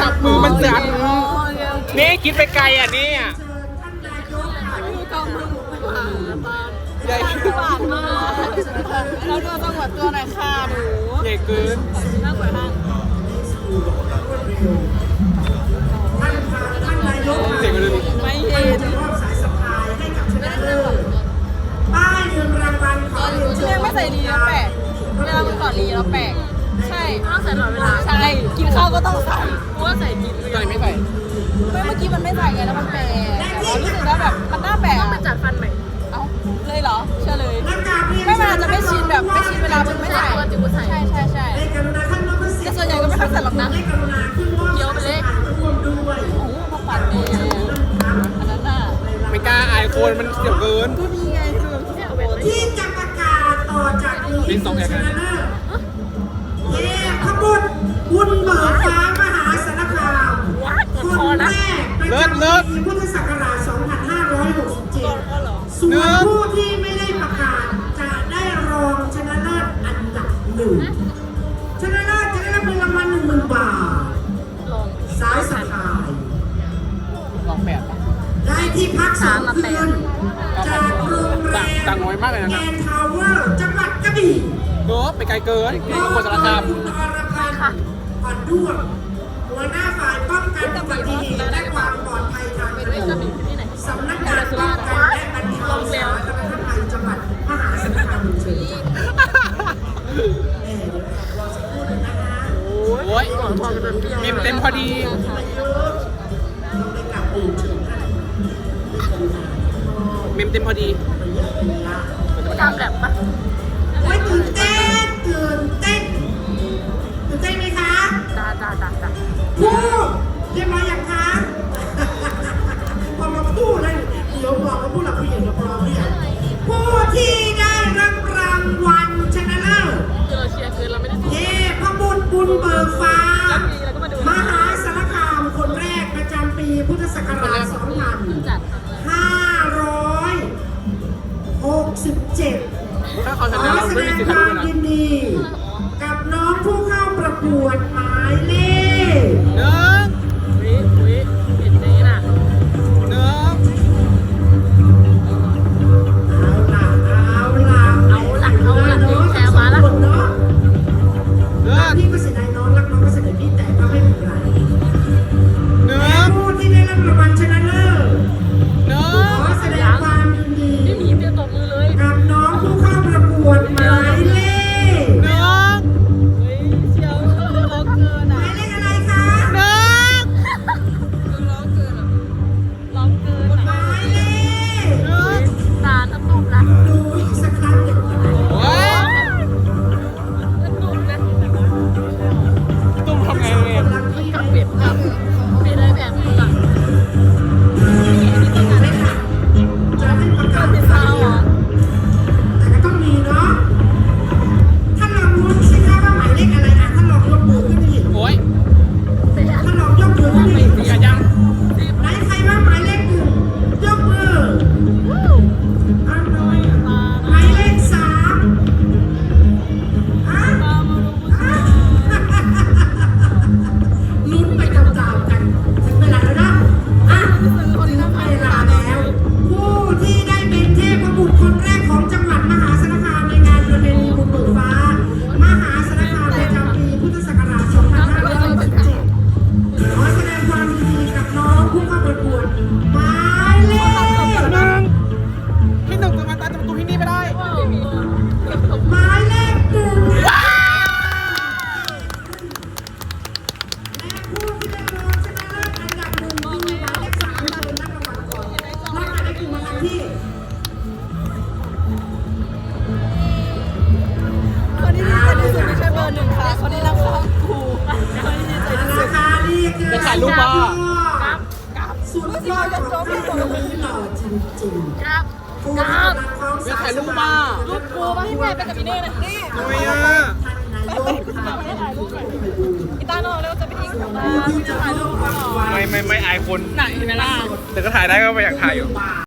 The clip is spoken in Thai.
จับมือมันสั่นนี่คิดไปไกลอ่ะนี่ใหญ่หวานมากแล้วดูจังหวัดตัวไหนค่ะหนูใหญ่เกินน่ากลัวมากเจ๋งเลยไม่เห็นป้ายเงินรางวัลของเรียกไม่ใส่ลีแล้วแปลกเวลามันก่อนลีแล้วแปลกใช่ต้องใส่ตลอดเวลาใช่กินข้าวก็ต้องใส่เพราะว่าใส่กินตอนนี้ไม่ใส่เมื่อกี้มันไม่ใส่ไงแล้วมันแปลกรู้สึกว่าแบบมันน่าแปลกต้องไปจัดฟันใหม่เอ้าเลยเหรอเชื่อเลยไม่มันอาจจะไม่ชินแบบไม่ชินเวลามันไม่ใส่ใช่แต่ส่วนใหญ่ก็ไม่ค่อยใส่หรอกนะเกี่ยวไปเลยโอ้โหพวกปัดเนี่ยอันนั้นน่ะไม่กล้าอายคนมันเสียวเกินก็มีไงคือที่จะประกาศต่อจากนี้ชนะเลิศเย่ขบวนบุญเบิกฟ้ามหาสารคามคนแรกประจำปีพุทธศักราช 2567 ส่วนผู้ที่ไม่ได้ประกาศจะได้รองชนะเลิศอันดับหนึ่งชนะเลิศจะได้รับเงินรางวัล 10,000 บาทสายสะพายลองแบบได้ที่พัก2 คืนจากโรงแรมต่างน้อยมากเลยนะแกนทาวเวอร์จังหวัดกระบี่ไปไกลเกินคนสารคามคุณอรพันธ์อ่อนด้วงหัวหน้าฝ่ายป้องกันอุบัติเหตุและความปลอดภัยทางถนนสำนักงานป้องกันและบรรเทาสาธารณภัยจังหวัดมหาสารคามเชิญโอ้ยเต็มพอดีเต็มพอดีทำแบบปะโอ้ยตื่นเต้นไหมคะจ้าพูดเรียบร้อยยังคะพอมาพูดเลยเดี๋ยวบอกว่าผู้หลักผู้ใหญ่เราพร้อมหรือยังผู้ที่ได้รับรางวัลชนะเลิศเชียร์เกินเราไม่ได้เย่พระบุญบุญเบิกฟ้ามหาสารคามคนแรกประจำปีพุทธศักราช 2567 ถ้าเขาชนะเราไม่มีสิทธิ์ทำเลยนะยินดีกับน้องผู้เข้าประกวดหมายเลขเห็นนี้น่ะเอาล่ะยิงแชร์มาแล้วพี่ก็เสียดายน้องรักน้องก็เสียดายพี่แต่ก็ไม่เป็นไรผู้ที่ได้รับรางวัลชนะเลิศขอแสดงความยินดีไม่มีเตรียมตบมือเลยกับน้องผู้เข้าประกวดหมายเลขเชียวร้องเกินหมายเลขอะไรคะร้องเกินหมายเลขตาน้ำนุ่มนะดูอีกสักครั้งหนึ่งตุ้มทำไงเนี่ยกับเปลี่ยนได้แบบนี้อ่ะจะให้ประกาศเป็นสาวแต่ก็ต้องมีเนาะถ้าลองรู้สิคะว่าหมายเลขอะไรนะถ้าลองยกมือขึ้นดิโอ้ยถ้าลองยกมือขึ้นดิอย่ายังไหนใครว่าหมายเลข 1ยกมือเอาหน่อยหมายเลข 3ลุ้นไปตามๆกันถึงเวลาแล้วนะถึงเวลาแล้วผู้ที่ได้เป็นเทพบุตรคนแรกของจังหวัดมหาสารคามในงานประเพณีบุญเบิกฟ้ามหาสารคามประจำปีพุทธศักราช 2567 ขอแสดงความยินดีกับน้องผู้เข้าประกวดหมายเลขที่หนึ่งจะมาตามประตูที่นี่ไม่ได้หมายเลข 1และผู้ที่ได้รองชนะเลิศอันดับ 1คือหมายเลข 3มาเป็นนักรางวัลก่อนนักการได้กลุ่มมาทันที่คนที่ดีใจที่สุดไม่ใช่เบอร์ 1ค่ะคนที่รักข้างครูคนที่ดีใจที่สุดเป็นถ่ายรูปป่ะสุดยอดของพี่คนนี้หล่อจริงๆครับเป็นถ่ายรูปป่ะรูปกูมาให้แม่ไปกับพี่เน่นะนี่ทำไมอ่ะพี่ตาโน่แล้วจะไปทิ้งของบ้านถ่ายรูปก่อนไม่อายคนไหนนะล่ะแต่ก็ถ่ายได้ก็ไม่อยากถ่ายอยู่